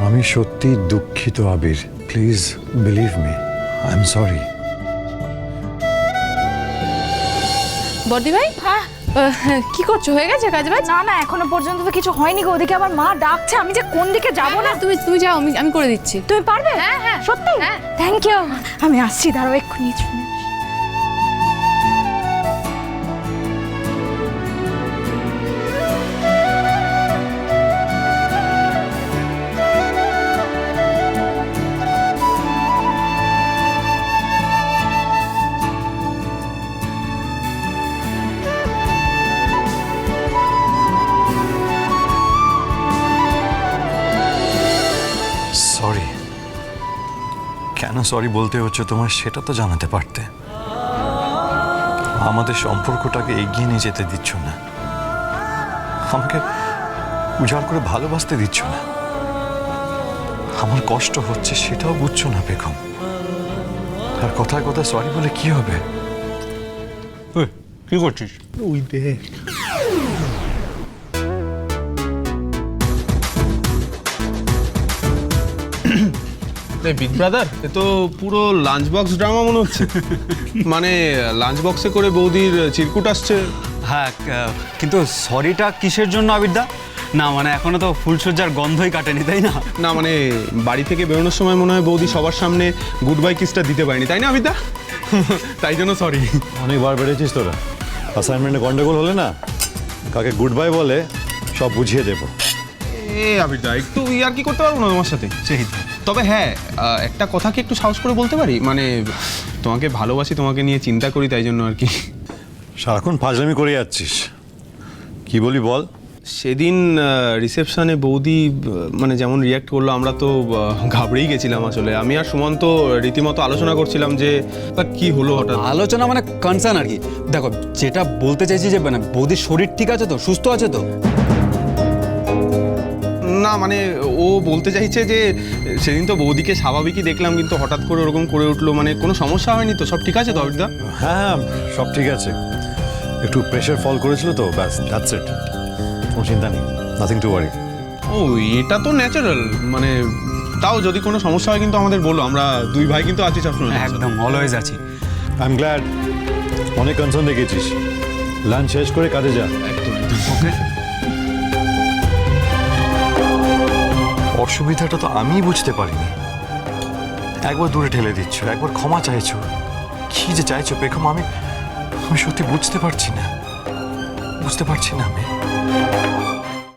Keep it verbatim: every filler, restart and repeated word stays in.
আমি সত্যি দুঃখিত Abir, please believe me, I am sorry. বর্দি ভাই, হ্যাঁ কি করছো? হয়ে গেছে কাজ বাজ? না না এখনো পর্যন্ত তো কিছু হয়নি গো। ওদিকে আমার মা ডাকছে, আমি যে কোন দিকে যাবো না। তুমি তুমি যাও, আমি আমি করে দিচ্ছি। তুমি পারবে? হ্যাঁ হ্যাঁ সত্যি? হ্যাঁ। Thank you. আমি আসছি, দাঁড়াও এক্ষুনি শুনে আসি। সরি, কেন সরি বলতে হচ্ছে তোমার সেটা তো জানাতে পারতে। আমাদের সম্পর্কটাকে এগিয়ে নিয়ে যেতে দিচ্ছ না, আমাকে উজাড় করে ভালোবাসতে দিচ্ছ না। আমার কষ্ট হচ্ছে সেটাও বুঝছো না বেগম। আর কথায় কথায় সরি বলে কি হবে? কি করছিস? ওই দেখ, বিগ ব্রাদার, এ তো পুরো লাঞ্চ বক্স ড্রামা মনে হচ্ছে। মানে লাঞ্চ বক্সে করে বৌদির চিরকুট আসছে। হ্যাঁ, কিন্তু সরিটা কিসের জন্য আবিরদা? না মানে এখনো তো ফুলসজ্জার গন্ধই কাটেনি, তাই না? না মানে বাড়ি থেকে বেরোনোর সময় মনে হয় বৌদি সবার সামনে গুড বাই কিসটা দিতে পারেনি, তাই না আবিদা? তাই জন্য সরি। অনেকবার বেড়েছিস তোরা। অ্যাসাইনমেন্টে গন্ডগোল হলে না, কাকে গুড বাই বলে সব বুঝিয়ে দেবো। এ আবিদা, একটু ইয়ার কি করতে পারবো না তোমার সাথে? সেই তবে হ্যাঁ, একটা কথা কি একটু সাহস করে বলতে পারি? মানে তোমাকে ভালোবাসি, তোমাকে নিয়ে চিন্তা করি, তাই জন্য আর কি। সারাক্ষণ ফাজলামি করে যাচ্ছিস, কি বলি বল? সেদিন রিসেপশনে বৌদি আহ, মানে যেমন রিয়াক্ট করলো, আমরা তো আহ, ঘাবড়েই গেছিলাম আসলে। আমি আর সুমন্ত রীতিমতো আলোচনা করছিলাম যে তা কি হলো হঠাৎ। আলোচনা মানে কনসার্ন আর কি। দেখো, যেটা বলতে চাইছি যে মানে বৌদির শরীর ঠিক আছে তো, সুস্থ আছে তো? না মানে ও বলতে চাইছে যে সেদিন তো বৌদিকে স্বাভাবিকই দেখলাম, কিন্তু হঠাৎ করে ওরকম করে উঠলো। মানে কোনো সমস্যা হয়নি তো? সব ঠিক আছে তো অবিদা? হ্যাঁ, সব ঠিক আছে, একটু প্রেশার ফল করেছিল তো, ব্যাস, দ্যাটস ইট। কোনো চিন্তা নেই, নাথিং টু ওয়ারি। ও এটা তো ন্যাচারাল। মানে তাও যদি কোনো সমস্যা হয় কিন্তু আমাদের বলো, আমরা দুই ভাই কিন্তু আছি সবসময়। একদম অলওয়েজ আছি। আই এম গ্ল্যাড, অনেক কনসার্ন দেখিয়েছিস। লাঞ্চ শেষ করে কাজে যা। একদম একদম ওকে। অসুবিধাটা তো আমিই বুঝতে পারিনি। একবার দূরে ঠেলে দিচ্ছ, একবার ক্ষমা চাইছো, কি যে চাইছো বেগম, আমি আমি সত্যি বুঝতে পারছি না, বুঝতে পারছি না আমি।